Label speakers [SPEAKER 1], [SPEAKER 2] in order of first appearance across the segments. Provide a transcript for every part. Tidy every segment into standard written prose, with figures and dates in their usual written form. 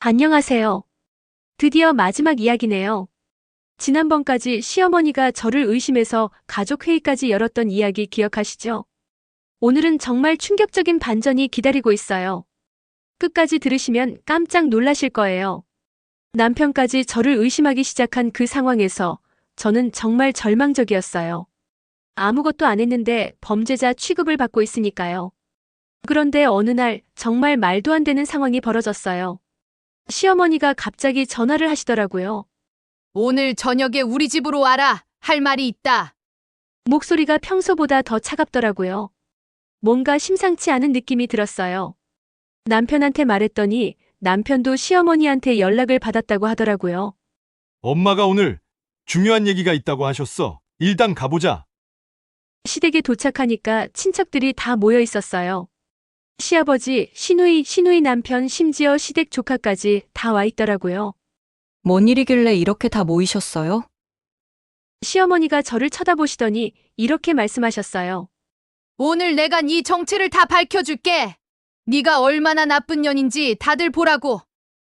[SPEAKER 1] 안녕하세요. 드디어 마지막 이야기네요. 지난번까지 시어머니가 저를 의심해서 가족회의까지 열었던 이야기 기억하시죠? 오늘은 정말 충격적인 반전이 기다리고 있어요. 끝까지 들으시면 깜짝 놀라실 거예요. 남편까지 저를 의심하기 시작한 그 상황에서 저는 정말 절망적이었어요. 아무것도 안 했는데 범죄자 취급을 받고 있으니까요. 그런데 어느 날 정말 말도 안 되는 상황이 벌어졌어요. 시어머니가 갑자기 전화를 하시더라고요.
[SPEAKER 2] 오늘 저녁에 우리 집으로 와라. 할 말이 있다.
[SPEAKER 1] 목소리가 평소보다 더 차갑더라고요. 뭔가 심상치 않은 느낌이 들었어요. 남편한테 말했더니 남편도 시어머니한테 연락을 받았다고 하더라고요.
[SPEAKER 3] 엄마가 오늘 중요한 얘기가 있다고 하셨어. 일단 가보자.
[SPEAKER 1] 시댁에 도착하니까 친척들이 다 모여 있었어요. 시아버지, 시누이 남편, 심지어 시댁 조카까지 다 와 있더라고요.
[SPEAKER 4] 뭔 일이길래 이렇게 다 모이셨어요?
[SPEAKER 1] 시어머니가 저를 쳐다보시더니 이렇게 말씀하셨어요.
[SPEAKER 2] 오늘 내가 네 정체를 다 밝혀줄게. 네가 얼마나 나쁜 년인지 다들 보라고.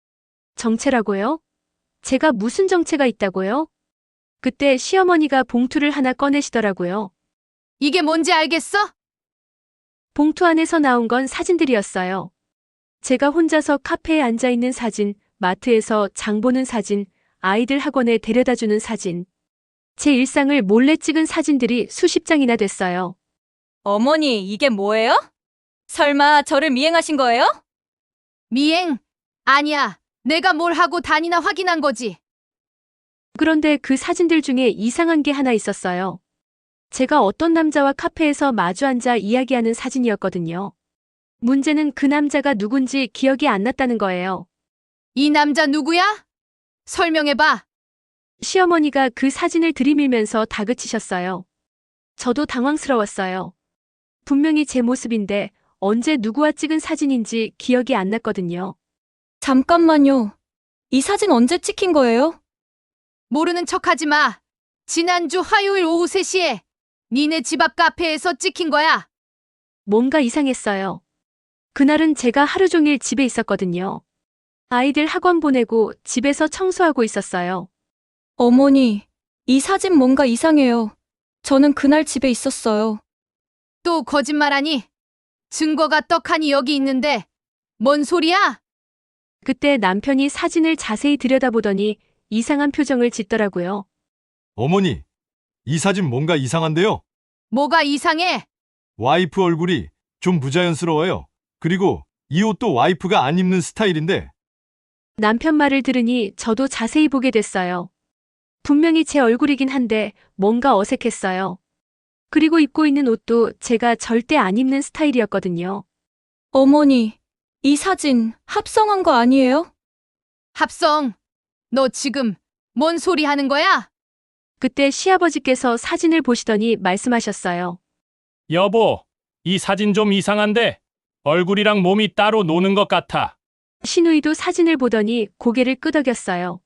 [SPEAKER 1] 정체라고요? 제가 무슨 정체가 있다고요? 그때 시어머니가 봉투를 하나 꺼내시더라고요.
[SPEAKER 2] 이게 뭔지 알겠어?
[SPEAKER 1] 봉투 안에서 나온 건 사진들이었어요. 제가 혼자서 카페에 앉아 있는 사진, 마트에서 장 보는 사진, 아이들 학원에 데려다주는 사진. 제 일상을 몰래 찍은 사진들이 수십 장이나 됐어요.
[SPEAKER 4] 어머니, 이게 뭐예요? 설마 저를 미행하신 거예요?
[SPEAKER 2] 미행? 아니야. 내가 뭘 하고 다니나 확인한 거지.
[SPEAKER 1] 그런데 그 사진들 중에 이상한 게 하나 있었어요. 제가 어떤 남자와 카페에서 마주 앉아 이야기하는 사진이었거든요. 문제는 그 남자가 누군지 기억이 안 났다는 거예요.
[SPEAKER 2] 이 남자 누구야? 설명해봐.
[SPEAKER 1] 시어머니가 그 사진을 들이밀면서 다그치셨어요. 저도 당황스러웠어요. 분명히 제 모습인데 언제 누구와 찍은 사진인지 기억이 안 났거든요.
[SPEAKER 4] 잠깐만요. 이 사진 언제 찍힌 거예요?
[SPEAKER 2] 모르는 척하지 마. 지난주 화요일 오후 3시에 니네 집 앞 카페에서 찍힌 거야.
[SPEAKER 1] 뭔가 이상했어요. 그날은 제가 하루 종일 집에 있었거든요. 아이들 학원 보내고 집에서 청소하고 있었어요.
[SPEAKER 4] 어머니, 이 사진 뭔가 이상해요. 저는 그날 집에 있었어요.
[SPEAKER 2] 또 거짓말하니? 증거가 떡하니 여기 있는데 뭔 소리야?
[SPEAKER 1] 그때 남편이 사진을 자세히 들여다보더니 이상한 표정을 짓더라고요.
[SPEAKER 3] 어머니, 이 사진 뭔가 이상한데요?
[SPEAKER 2] 뭐가 이상해?
[SPEAKER 3] 와이프 얼굴이 좀 부자연스러워요. 그리고 이 옷도 와이프가 안 입는 스타일인데
[SPEAKER 1] 남편 말을 들으니 저도 자세히 보게 됐어요. 분명히 제 얼굴이긴 한데 뭔가 어색했어요. 그리고 입고 있는 옷도 제가 절대 안 입는 스타일이었거든요.
[SPEAKER 4] 어머니, 이 사진 합성한 거 아니에요?
[SPEAKER 2] 합성. 너 지금 뭔 소리 하는 거야?
[SPEAKER 1] 그때 시아버지께서 사진을 보시더니 말씀하셨어요.
[SPEAKER 5] 여보, 이 사진 좀 이상한데 얼굴이랑 몸이 따로 노는 것 같아.
[SPEAKER 1] 시누이도 사진을 보더니 고개를 끄덕였어요.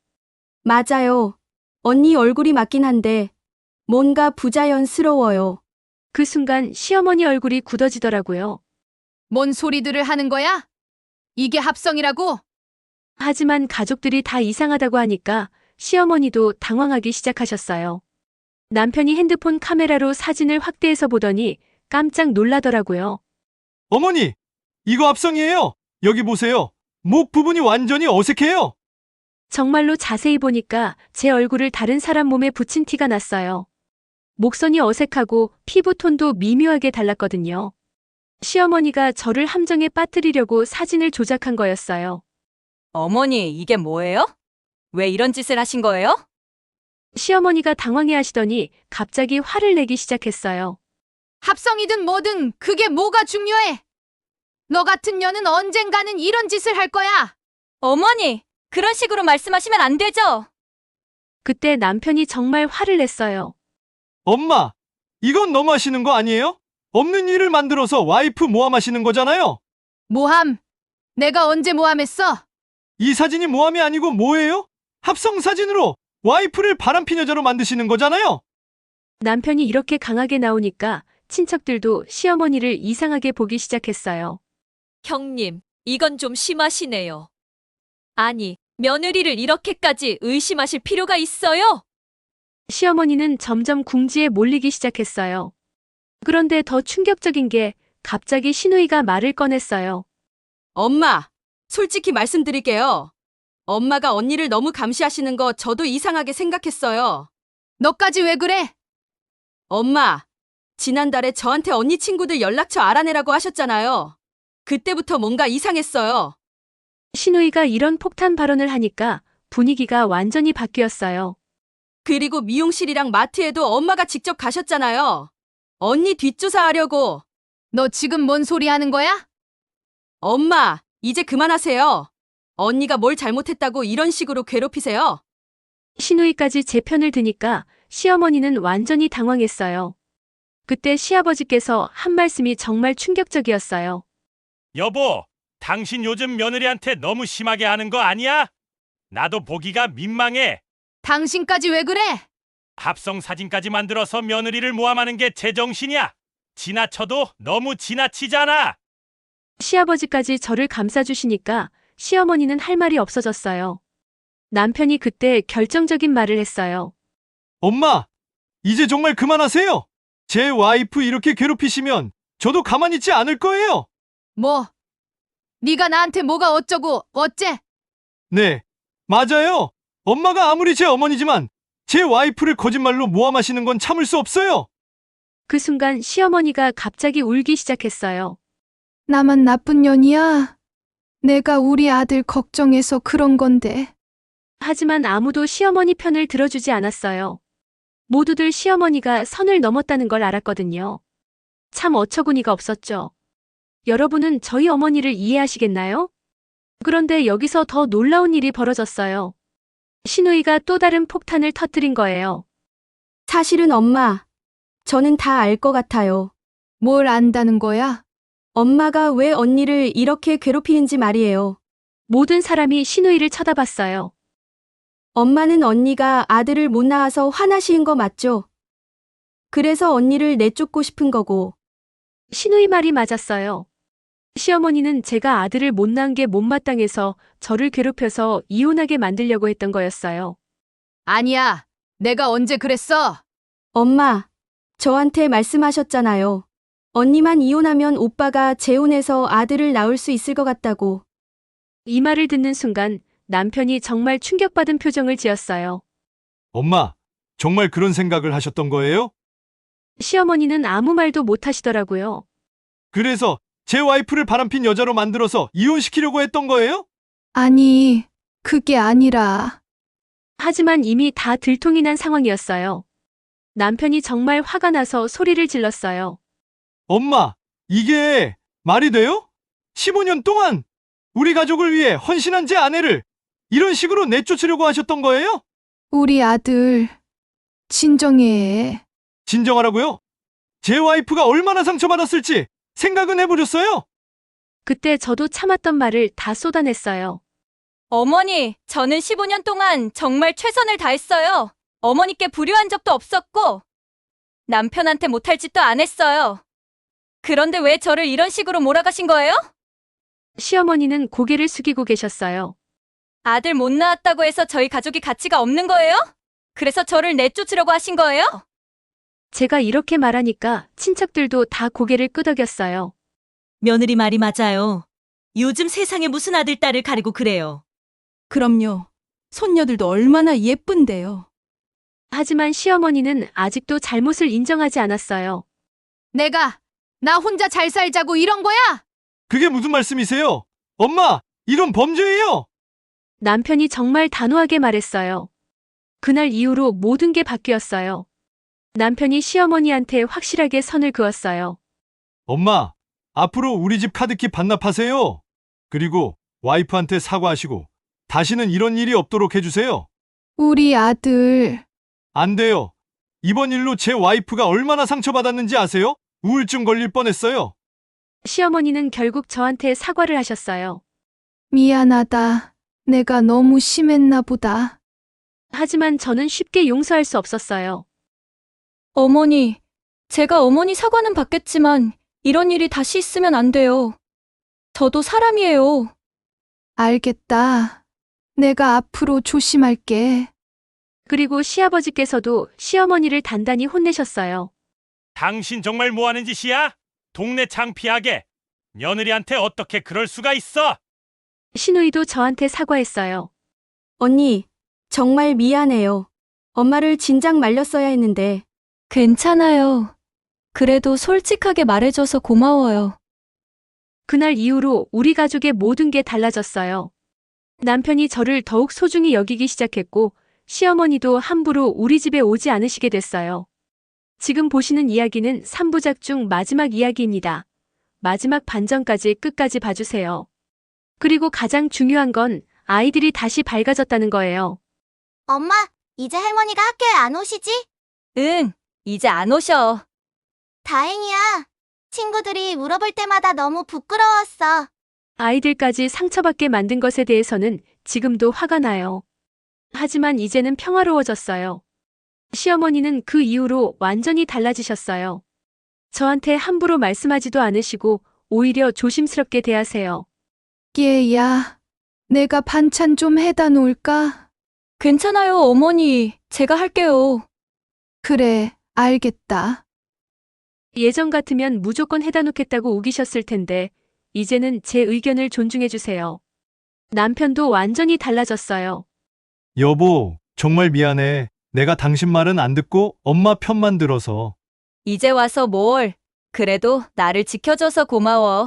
[SPEAKER 6] 맞아요. 언니 얼굴이 맞긴 한데 뭔가 부자연스러워요.
[SPEAKER 1] 그 순간 시어머니 얼굴이 굳어지더라고요.
[SPEAKER 2] 뭔 소리들을 하는 거야? 이게 합성이라고?
[SPEAKER 1] 하지만 가족들이 다 이상하다고 하니까 시어머니도 당황하기 시작하셨어요. 남편이 핸드폰 카메라로 사진을 확대해서 보더니 깜짝 놀라더라고요.
[SPEAKER 3] 어머니, 이거 합성이에요. 여기 보세요. 목 부분이 완전히 어색해요.
[SPEAKER 1] 정말로 자세히 보니까 제 얼굴을 다른 사람 몸에 붙인 티가 났어요. 목선이 어색하고 피부톤도 미묘하게 달랐거든요. 시어머니가 저를 함정에 빠뜨리려고 사진을 조작한 거였어요.
[SPEAKER 4] 어머니, 이게 뭐예요? 왜 이런 짓을 하신 거예요?
[SPEAKER 1] 시어머니가 당황해 하시더니 갑자기 화를 내기 시작했어요.
[SPEAKER 2] 합성이든 뭐든 그게 뭐가 중요해? 너 같은 년은 언젠가는 이런 짓을 할 거야.
[SPEAKER 4] 어머니, 그런 식으로 말씀하시면 안 되죠?
[SPEAKER 1] 그때 남편이 정말 화를 냈어요.
[SPEAKER 3] 엄마, 이건 너무하시는 거 아니에요? 없는 일을 만들어서 와이프 모함하시는 거잖아요.
[SPEAKER 2] 모함. 내가 언제 모함했어?
[SPEAKER 3] 이 사진이 모함이 아니고 뭐예요? 합성 사진으로 와이프를 바람핀 여자로 만드시는 거잖아요.
[SPEAKER 1] 남편이 이렇게 강하게 나오니까 친척들도 시어머니를 이상하게 보기 시작했어요.
[SPEAKER 7] 형님, 이건 좀 심하시네요.
[SPEAKER 4] 아니, 며느리를 이렇게까지 의심하실 필요가 있어요?
[SPEAKER 1] 시어머니는 점점 궁지에 몰리기 시작했어요. 그런데 더 충격적인 게 갑자기 시누이가 말을 꺼냈어요.
[SPEAKER 6] 엄마, 솔직히 말씀드릴게요. 엄마가 언니를 너무 감시하시는 거 저도 이상하게 생각했어요.
[SPEAKER 2] 너까지 왜 그래?
[SPEAKER 6] 엄마, 지난달에 저한테 언니 친구들 연락처 알아내라고 하셨잖아요. 그때부터 뭔가 이상했어요.
[SPEAKER 1] 시누이가 이런 폭탄 발언을 하니까 분위기가 완전히 바뀌었어요.
[SPEAKER 6] 그리고 미용실이랑 마트에도 엄마가 직접 가셨잖아요. 언니 뒷조사하려고.
[SPEAKER 2] 너 지금 뭔 소리 하는 거야?
[SPEAKER 6] 엄마, 이제 그만하세요. 언니가 뭘 잘못했다고 이런 식으로 괴롭히세요?
[SPEAKER 1] 시누이까지 제 편을 드니까 시어머니는 완전히 당황했어요. 그때 시아버지께서 한 말씀이 정말 충격적이었어요.
[SPEAKER 5] 여보, 당신 요즘 며느리한테 너무 심하게 하는 거 아니야? 나도 보기가 민망해.
[SPEAKER 2] 당신까지 왜 그래?
[SPEAKER 5] 합성 사진까지 만들어서 며느리를 모함하는 게 제정신이야. 지나쳐도 너무 지나치잖아.
[SPEAKER 1] 시아버지까지 저를 감싸주시니까 시어머니는 할 말이 없어졌어요. 남편이 그때 결정적인 말을 했어요.
[SPEAKER 3] 엄마, 이제 정말 그만하세요. 제 와이프 이렇게 괴롭히시면 저도 가만히 있지 않을 거예요.
[SPEAKER 2] 뭐? 네가 나한테 뭐가 어쩌고 어째?
[SPEAKER 3] 네, 맞아요. 엄마가 아무리 제 어머니지만 제 와이프를 거짓말로 모함하시는 건 참을 수 없어요.
[SPEAKER 1] 그 순간 시어머니가 갑자기 울기 시작했어요.
[SPEAKER 2] 나만 나쁜 년이야. 내가 우리 아들 걱정해서 그런 건데.
[SPEAKER 1] 하지만 아무도 시어머니 편을 들어주지 않았어요. 모두들 시어머니가 선을 넘었다는 걸 알았거든요. 참 어처구니가 없었죠. 여러분은 저희 어머니를 이해하시겠나요? 그런데 여기서 더 놀라운 일이 벌어졌어요. 시누이가 또 다른 폭탄을 터뜨린 거예요.
[SPEAKER 6] 사실은 엄마, 저는 다 알 것 같아요.
[SPEAKER 2] 뭘 안다는 거야?
[SPEAKER 6] 엄마가 왜 언니를 이렇게 괴롭히는지 말이에요.
[SPEAKER 1] 모든 사람이 시누이를 쳐다봤어요.
[SPEAKER 6] 엄마는 언니가 아들을 못 낳아서 화나신 거 맞죠? 그래서 언니를 내쫓고 싶은 거고.
[SPEAKER 1] 시누이 말이 맞았어요. 시어머니는 제가 아들을 못 낳은 게 못마땅해서 저를 괴롭혀서 이혼하게 만들려고 했던 거였어요.
[SPEAKER 2] 아니야. 내가 언제 그랬어?
[SPEAKER 6] 엄마, 저한테 말씀하셨잖아요. 언니만 이혼하면 오빠가 재혼해서 아들을 낳을 수 있을 것 같다고.
[SPEAKER 1] 이 말을 듣는 순간 남편이 정말 충격받은 표정을 지었어요.
[SPEAKER 3] 엄마, 정말 그런 생각을 하셨던 거예요?
[SPEAKER 1] 시어머니는 아무 말도 못 하시더라고요.
[SPEAKER 3] 그래서 제 와이프를 바람핀 여자로 만들어서 이혼시키려고 했던 거예요?
[SPEAKER 2] 아니, 그게 아니라.
[SPEAKER 1] 하지만 이미 다 들통이 난 상황이었어요. 남편이 정말 화가 나서 소리를 질렀어요.
[SPEAKER 3] 엄마, 이게 말이 돼요? 15년 동안 우리 가족을 위해 헌신한 제 아내를 이런 식으로 내쫓으려고 하셨던 거예요?
[SPEAKER 2] 우리 아들, 진정해.
[SPEAKER 3] 진정하라고요? 제 와이프가 얼마나 상처받았을지 생각은 해보셨어요?
[SPEAKER 1] 그때 저도 참았던 말을 다 쏟아냈어요.
[SPEAKER 4] 어머니, 저는 15년 동안 정말 최선을 다했어요. 어머니께 불효한 적도 없었고, 남편한테 못할 짓도 안 했어요. 그런데 왜 저를 이런 식으로 몰아가신 거예요?
[SPEAKER 1] 시어머니는 고개를 숙이고 계셨어요.
[SPEAKER 4] 아들 못 낳았다고 해서 저희 가족이 가치가 없는 거예요? 그래서 저를 내쫓으려고 하신 거예요?
[SPEAKER 1] 제가 이렇게 말하니까 친척들도 다 고개를 끄덕였어요.
[SPEAKER 7] 며느리 말이 맞아요. 요즘 세상에 무슨 아들, 딸을 가리고 그래요.
[SPEAKER 6] 그럼요. 손녀들도 얼마나 예쁜데요.
[SPEAKER 1] 하지만 시어머니는 아직도 잘못을 인정하지 않았어요.
[SPEAKER 2] 나 혼자 잘 살자고 이런 거야?
[SPEAKER 3] 그게 무슨 말씀이세요? 엄마, 이건 범죄예요!
[SPEAKER 1] 남편이 정말 단호하게 말했어요. 그날 이후로 모든 게 바뀌었어요. 남편이 시어머니한테 확실하게 선을 그었어요.
[SPEAKER 3] 엄마, 앞으로 우리 집 카드키 반납하세요. 그리고 와이프한테 사과하시고 다시는 이런 일이 없도록 해주세요.
[SPEAKER 2] 우리 아들.
[SPEAKER 3] 안 돼요. 이번 일로 제 와이프가 얼마나 상처받았는지 아세요? 우울증 걸릴 뻔했어요.
[SPEAKER 1] 시어머니는 결국 저한테 사과를 하셨어요.
[SPEAKER 2] 미안하다. 내가 너무 심했나 보다.
[SPEAKER 1] 하지만 저는 쉽게 용서할 수 없었어요.
[SPEAKER 4] 어머니, 제가 어머니 사과는 받겠지만 이런 일이 다시 있으면 안 돼요. 저도 사람이에요.
[SPEAKER 2] 알겠다. 내가 앞으로 조심할게.
[SPEAKER 1] 그리고 시아버지께서도 시어머니를 단단히 혼내셨어요.
[SPEAKER 5] 당신 정말 뭐 하는 짓이야? 동네 창피하게. 며느리한테 어떻게 그럴 수가 있어?
[SPEAKER 1] 신우이도 저한테 사과했어요.
[SPEAKER 6] 언니, 정말 미안해요. 엄마를 진작 말렸어야 했는데.
[SPEAKER 4] 괜찮아요. 그래도 솔직하게 말해줘서 고마워요.
[SPEAKER 1] 그날 이후로 우리 가족의 모든 게 달라졌어요. 남편이 저를 더욱 소중히 여기기 시작했고, 시어머니도 함부로 우리 집에 오지 않으시게 됐어요. 지금 보시는 이야기는 3부작 중 마지막 이야기입니다. 마지막 반전까지 끝까지 봐주세요. 그리고 가장 중요한 건 아이들이 다시 밝아졌다는 거예요.
[SPEAKER 8] 엄마, 이제 할머니가 학교에 안 오시지?
[SPEAKER 4] 응, 이제 안 오셔.
[SPEAKER 8] 다행이야. 친구들이 물어볼 때마다 너무 부끄러웠어.
[SPEAKER 1] 아이들까지 상처받게 만든 것에 대해서는 지금도 화가 나요. 하지만 이제는 평화로워졌어요. 시어머니는 그 이후로 완전히 달라지셨어요. 저한테 함부로 말씀하지도 않으시고 오히려 조심스럽게 대하세요.
[SPEAKER 2] 얘야, 내가 반찬 좀 해다 놓을까?
[SPEAKER 4] 괜찮아요, 어머니. 제가 할게요.
[SPEAKER 2] 그래, 알겠다.
[SPEAKER 1] 예전 같으면 무조건 해다 놓겠다고 우기셨을 텐데 이제는 제 의견을 존중해 주세요. 남편도 완전히 달라졌어요.
[SPEAKER 3] 여보, 정말 미안해. 내가 당신 말은 안 듣고 엄마 편만 들어서.
[SPEAKER 4] 이제 와서 뭘. 그래도 나를 지켜줘서 고마워.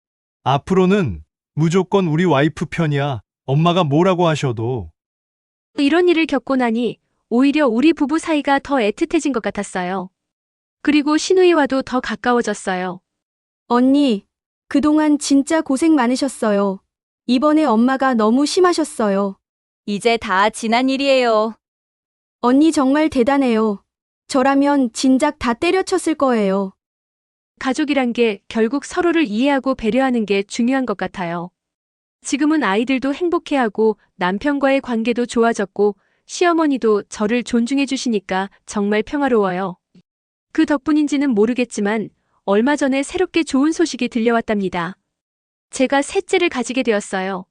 [SPEAKER 3] 앞으로는 무조건 우리 와이프 편이야. 엄마가 뭐라고 하셔도.
[SPEAKER 1] 이런 일을 겪고 나니 오히려 우리 부부 사이가 더 애틋해진 것 같았어요. 그리고 신우이와도 더 가까워졌어요.
[SPEAKER 6] 언니, 그동안 진짜 고생 많으셨어요. 이번에 엄마가 너무 심하셨어요.
[SPEAKER 4] 이제 다 지난 일이에요.
[SPEAKER 6] 언니 정말 대단해요. 저라면 진작 다 때려쳤을 거예요.
[SPEAKER 1] 가족이란 게 결국 서로를 이해하고 배려하는 게 중요한 것 같아요. 지금은 아이들도 행복해하고 남편과의 관계도 좋아졌고 시어머니도 저를 존중해 주시니까 정말 평화로워요. 그 덕분인지는 모르겠지만 얼마 전에 새롭게 좋은 소식이 들려왔답니다. 제가 셋째를 가지게 되었어요.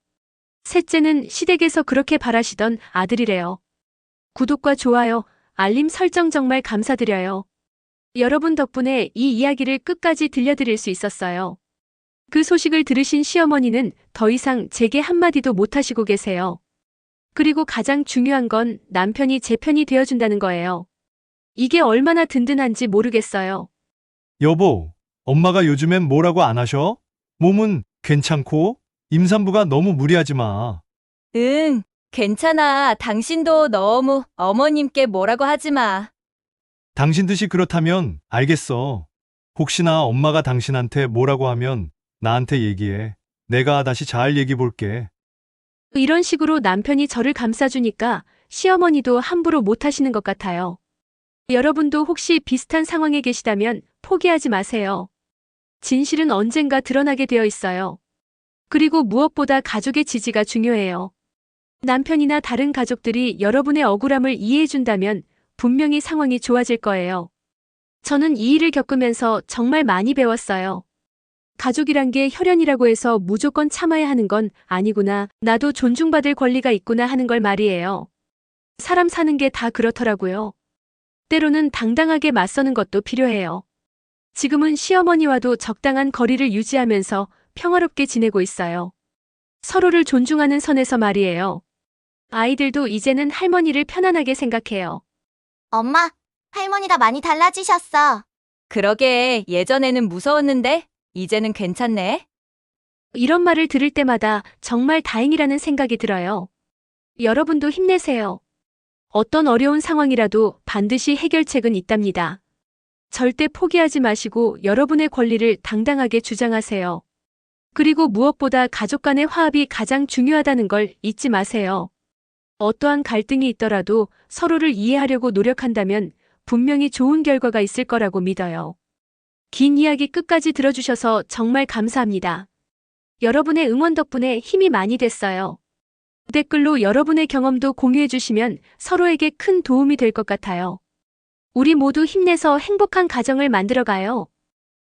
[SPEAKER 1] 셋째는 시댁에서 그렇게 바라시던 아들이래요. 구독과 좋아요, 알림 설정 정말 감사드려요. 여러분 덕분에 이 이야기를 끝까지 들려드릴 수 있었어요. 그 소식을 들으신 시어머니는 더 이상 제게 한마디도 못하시고 계세요. 그리고 가장 중요한 건 남편이 제 편이 되어준다는 거예요. 이게 얼마나 든든한지 모르겠어요.
[SPEAKER 3] 여보, 엄마가 요즘엔 뭐라고 안 하셔? 몸은 괜찮고? 임산부가 너무 무리하지 마.
[SPEAKER 4] 응, 괜찮아. 당신도 너무 어머님께 뭐라고 하지 마.
[SPEAKER 3] 당신 뜻이 그렇다면 알겠어. 혹시나 엄마가 당신한테 뭐라고 하면 나한테 얘기해. 내가 다시 잘 얘기해 볼게.
[SPEAKER 1] 이런 식으로 남편이 저를 감싸주니까 시어머니도 함부로 못하시는 것 같아요. 여러분도 혹시 비슷한 상황에 계시다면 포기하지 마세요. 진실은 언젠가 드러나게 되어 있어요. 그리고 무엇보다 가족의 지지가 중요해요. 남편이나 다른 가족들이 여러분의 억울함을 이해해준다면 분명히 상황이 좋아질 거예요. 저는 이 일을 겪으면서 정말 많이 배웠어요. 가족이란 게 혈연이라고 해서 무조건 참아야 하는 건 아니구나, 나도 존중받을 권리가 있구나 하는 걸 말이에요. 사람 사는 게 다 그렇더라고요. 때로는 당당하게 맞서는 것도 필요해요. 지금은 시어머니와도 적당한 거리를 유지하면서 평화롭게 지내고 있어요. 서로를 존중하는 선에서 말이에요. 아이들도 이제는 할머니를 편안하게 생각해요.
[SPEAKER 8] 엄마, 할머니가 많이 달라지셨어.
[SPEAKER 4] 그러게 예전에는 무서웠는데 이제는 괜찮네.
[SPEAKER 1] 이런 말을 들을 때마다 정말 다행이라는 생각이 들어요. 여러분도 힘내세요. 어떤 어려운 상황이라도 반드시 해결책은 있답니다. 절대 포기하지 마시고 여러분의 권리를 당당하게 주장하세요. 그리고 무엇보다 가족 간의 화합이 가장 중요하다는 걸 잊지 마세요. 어떠한 갈등이 있더라도 서로를 이해하려고 노력한다면 분명히 좋은 결과가 있을 거라고 믿어요. 긴 이야기 끝까지 들어주셔서 정말 감사합니다. 여러분의 응원 덕분에 힘이 많이 됐어요. 댓글로 여러분의 경험도 공유해 주시면 서로에게 큰 도움이 될 것 같아요. 우리 모두 힘내서 행복한 가정을 만들어가요.